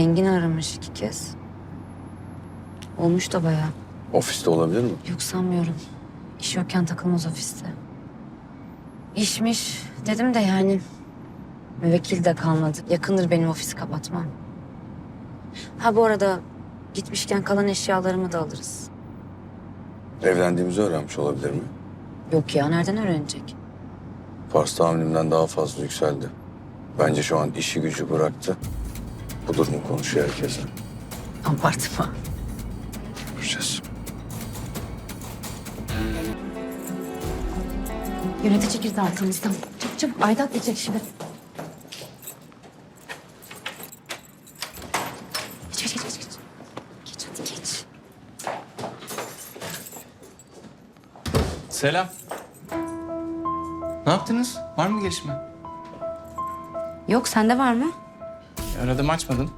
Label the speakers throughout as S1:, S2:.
S1: Engin aramış 2 kez. Olmuş da bayağı.
S2: Ofiste olabilir mi?
S1: Yok sanmıyorum. İş yokken takılmaz ofiste. İşmiş dedim de yani. Müvekkil de kalmadı. Yakındır benim ofisi kapatmam. Ha bu arada gitmişken kalan eşyalarımı da alırız.
S2: Evlendiğimizi öğrenmiş olabilir mi?
S1: Yok ya nereden öğrenecek?
S2: Fars tahammülümden daha fazla yükseldi. Bence şu an işi gücü bıraktı. Bu durumu konuşuyor herkese.
S1: Abartma.
S2: Göreceğiz.
S1: Yönetici girdi arkamızdan. Çabuk çabuk Aydat diyecek şimdi. Geç. Geç hadi geç.
S3: Selam. Ne yaptınız? Var mı gelişme?
S1: Yok sende var mı?
S3: Aradım açmadın.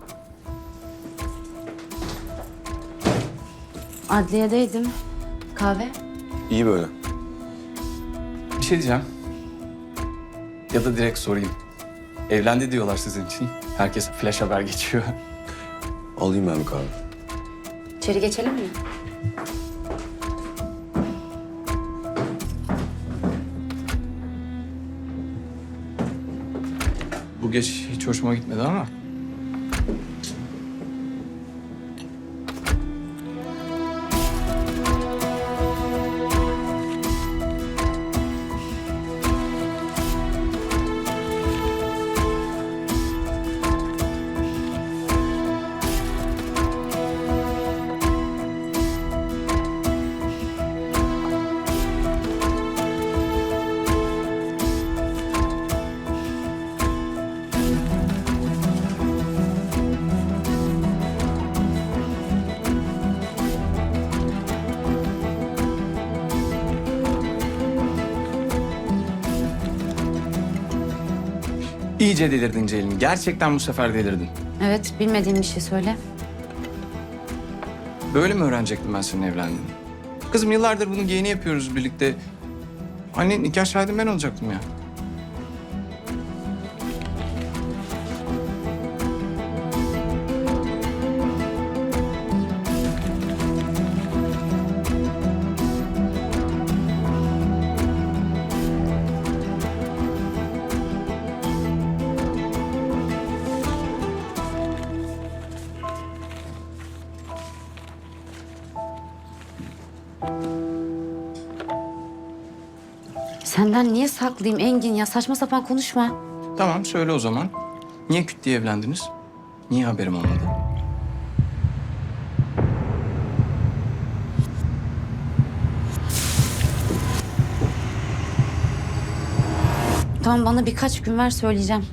S1: Adliyedeydim. Kahve.
S2: İyi böyle.
S3: Bir şey diyeceğim. Ya da direkt sorayım. Evlendi diyorlar sizin için. Herkes flash haber geçiyor.
S2: Alayım ben bir kahve.
S1: İçeri geçelim mi?
S3: Bu geç hiç hoşuma gitmedi ama. İyice delirdin Ceylin. Gerçekten bu sefer delirdin.
S1: Evet bilmediğim bir şey söyle.
S3: Böyle mi öğrenecektim ben senin evlendiğini? Kızım yıllardır bunun yeğeni yapıyoruz birlikte. Anne nikah şahidim ben olacaktım ya.
S1: Senden niye saklayayım Engin ya? Saçma sapan konuşma.
S3: Tamam söyle o zaman. Niye küt diye evlendiniz? Niye haberim olmadı?
S1: Tamam bana birkaç gün ver söyleyeceğim.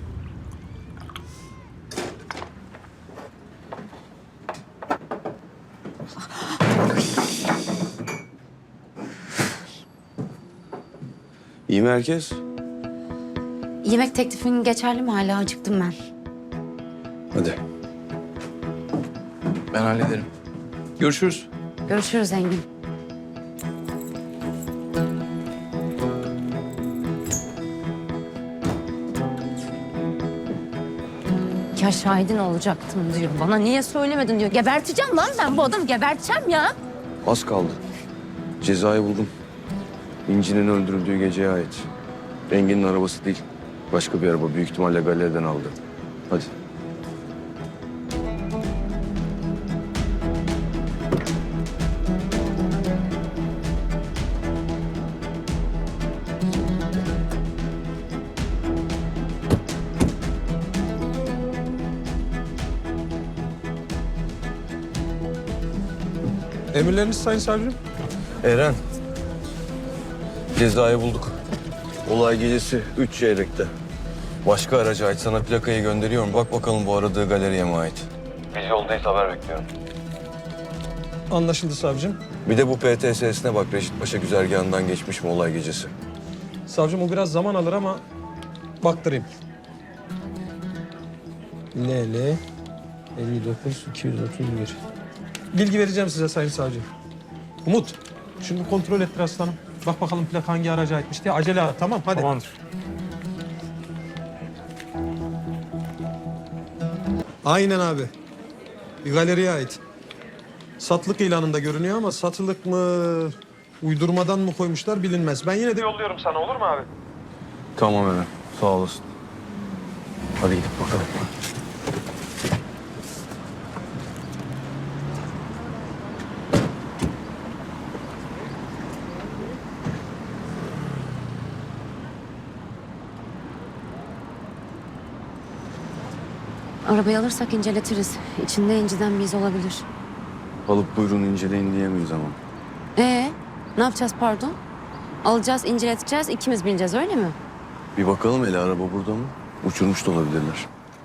S2: İyi mi herkes?
S1: Yemek teklifin geçerli mi hala? Acıktım ben.
S2: Hadi.
S3: Ben hallederim. Görüşürüz.
S1: Görüşürüz Engin. Ya şahidin olacaktım diyor. Bana niye söylemedin diyor. Geberteceğim lan ben bu adamı geberteceğim ya.
S2: Az kaldı. Cezayı buldum. İnci'nin öldürüldüğü geceye ait. Engin'in arabası değil. Başka bir araba. Büyük ihtimalle galeriden aldı. Hadi.
S4: Emirleriniz Sayın Savcım.
S2: Eren. Cezayı bulduk. Olay gecesi 3 çeyrekte. Başka araca ait. Sana plakayı gönderiyorum. Bak bakalım bu aradığı galeriye mi ait? Biz yoldayız, haber bekliyorum.
S4: Anlaşıldı savcım.
S2: Bir de bu PTS'sine bak. Reşit Paşa güzergahından geçmiş mi olay gecesi?
S4: Savcım o biraz zaman alır ama baktırayım. LL 59 231. Bilgi vereceğim size Sayın Savcı. Umut, şunu bir kontrol ettir aslanım. Bak bakalım plaka hangi araca aitmiş diye. Acele at, tamam hadi.
S3: Tamamdır.
S4: Aynen abi. Bir galeriye ait. Satılık ilanında görünüyor ama satılık mı, uydurmadan mı koymuşlar bilinmez. Ben yine de yolluyorum sana, olur mu abi?
S2: Tamam Eren. Sağ olasın. Hadi gidip bakalım.
S1: Arabayı alırsak inceletiriz. İçinde inciden bir iz olabilir.
S2: Alıp buyurun inceleyin diyemeyiz ama.
S1: Ne yapacağız pardon? Alacağız, inceleteceğiz, ikimiz bineceğiz öyle mi?
S2: Bir bakalım hele araba burada mı? Uçurmuş da olabilirler.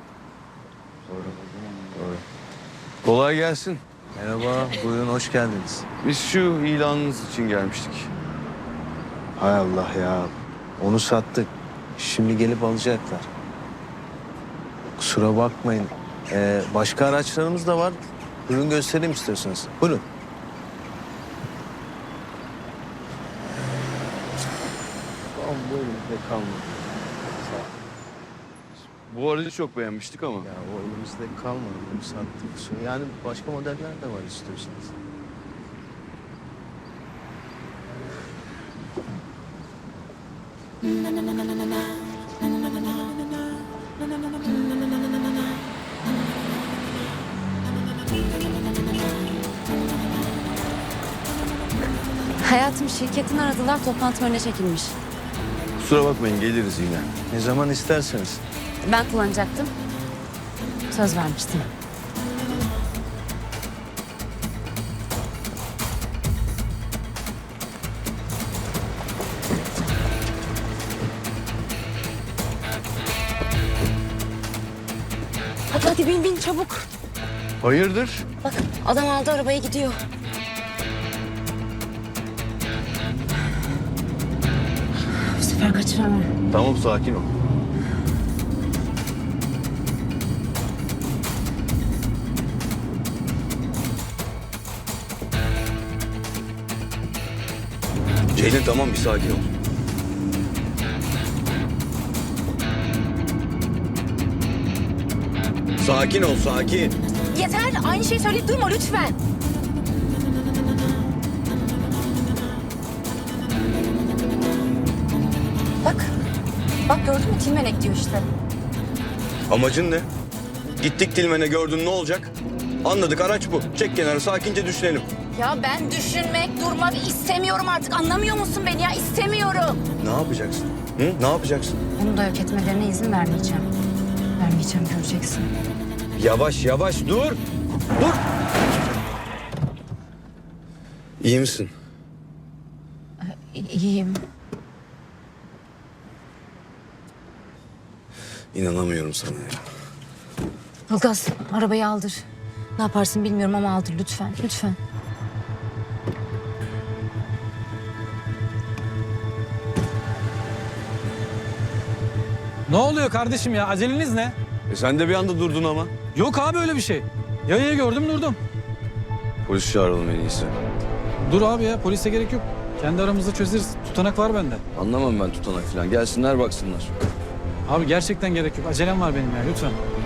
S2: Doğru. Kolay gelsin.
S5: Merhaba, buyurun hoş geldiniz.
S2: Biz şu ilanınız için gelmiştik.
S5: Hay Allah ya, onu sattık. Şimdi gelip alacaklar. Kusura bakmayın. Başka araçlarımız da var. Buyurun göstereyim istiyorsanız. Buyurun. Tamam, buyurun. Bizde kalmadı.
S2: Bu aracı çok beğenmiştik ama.
S5: Ya o elimizde kalmadı. Bunu sattık. Yani başka modeller de var istiyorsanız.
S1: Hayatım şirketin aradılar, toplantı önüne çekilmiş.
S2: Kusura bakmayın geliriz yine.
S5: Ne zaman isterseniz.
S1: Ben kullanacaktım. Söz vermiştim. Hadi bin çabuk.
S2: Hayırdır?
S1: Bak adam aldı arabayı gidiyor. Bu sefer kaçıramam.
S2: Tamam sakin ol. Ceylin tamam bir sakin ol. Sakin ol sakin.
S1: Yeter aynı şeyi söyleyip durma lütfen. Bak gördün mü Tilmenek diyor işte.
S2: Amacın ne? Gittik Tilmen'e gördün ne olacak? Anladık araç bu. Çek kenara sakince düşünelim.
S1: Ya ben düşünmek, durmak istemiyorum artık. Anlamıyor musun beni ya? İstemiyorum.
S2: Ne yapacaksın? Hı? Ne yapacaksın?
S1: Bunu da yok etmelerine izin vermeyeceğim. Vermeyeceğim göreceksin.
S2: Yavaş yavaş dur. Dur. İyi misin?
S1: İyiyim.
S2: İnanamıyorum sana ya.
S1: Ilgaz arabayı aldır. Ne yaparsın bilmiyorum ama aldır lütfen. Lütfen.
S6: Ne oluyor kardeşim ya? Aceleniz ne?
S2: Sen de bir anda durdun ama.
S6: Yok abi öyle bir şey. Yayayı gördüm durdum.
S2: Polis çağıralım en iyisi.
S6: Dur abi ya polise gerek yok. Kendi aramızda çözeriz. Tutanak var bende.
S2: Anlamam ben tutanak falan. Gelsinler baksınlar.
S6: Abi gerçekten gerek yok. Acelem var benim ya lütfen.